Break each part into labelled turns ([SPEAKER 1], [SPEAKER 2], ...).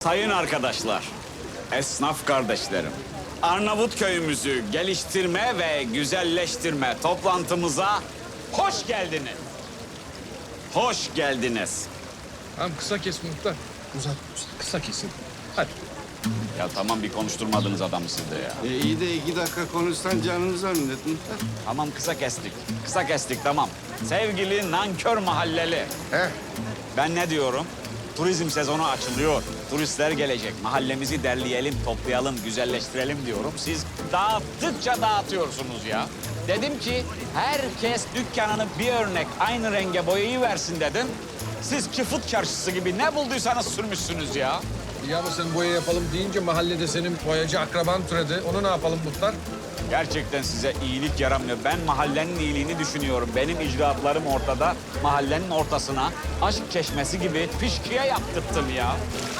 [SPEAKER 1] Sayın arkadaşlar, esnaf kardeşlerim, Arnavut köyümüzü geliştirme ve güzelleştirme toplantımıza hoş geldiniz. Hoş geldiniz.
[SPEAKER 2] Tamam kısa kes muhtar. Uzat, kısa kesin. Hadi.
[SPEAKER 1] Ya tamam bir konuşturmadınız adamı siz de ya.
[SPEAKER 3] İyi de 2 dakika konuşsan canınızı minnet muhtar.
[SPEAKER 1] Tamam kısa kestik. Kısa kestik tamam. Sevgili nankör mahalleli. Ben ne diyorum? Turizm sezonu açılıyor. Turistler gelecek. Mahallemizi derleyelim, toplayalım, güzelleştirelim diyorum. Siz dağıttıkça dağıtıyorsunuz ya. Dedim ki herkes dükkanını bir örnek aynı renge boyayıversin dedim. Siz Çıfıt Çarşısı gibi ne bulduysanız sürmüşsünüz ya.
[SPEAKER 2] Ya ama sen boya yapalım deyince mahallede senin boyacı akraban türedi. Onu ne yapalım muhtar?
[SPEAKER 1] Gerçekten size iyilik yaramıyor. Ben mahallenin iyiliğini düşünüyorum. Benim icraatlarım ortada. Mahallenin ortasına aşk çeşmesi gibi fişkiye yaptırttım ya.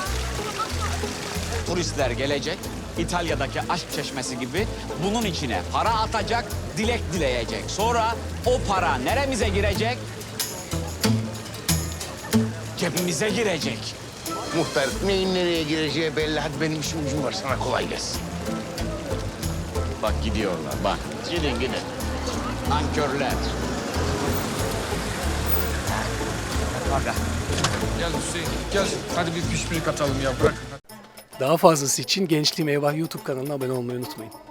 [SPEAKER 1] Turistler gelecek. İtalya'daki aşk çeşmesi gibi bunun içine para atacak, dilek dileyecek. Sonra o para neremize girecek? Cebimize girecek.
[SPEAKER 4] Muhtar neyin nereye gireceği belli. Hadi benim işim gücüm var. Sana kolay gelsin.
[SPEAKER 1] Bak gidiyorlar bak. Gidin gidin. Nankörler.
[SPEAKER 2] Gel Hüseyin, gel. Hadi bir pişpirik atalım ya, bırak.
[SPEAKER 5] Daha fazlası için Gençliğim Eyvah YouTube kanalına abone olmayı unutmayın.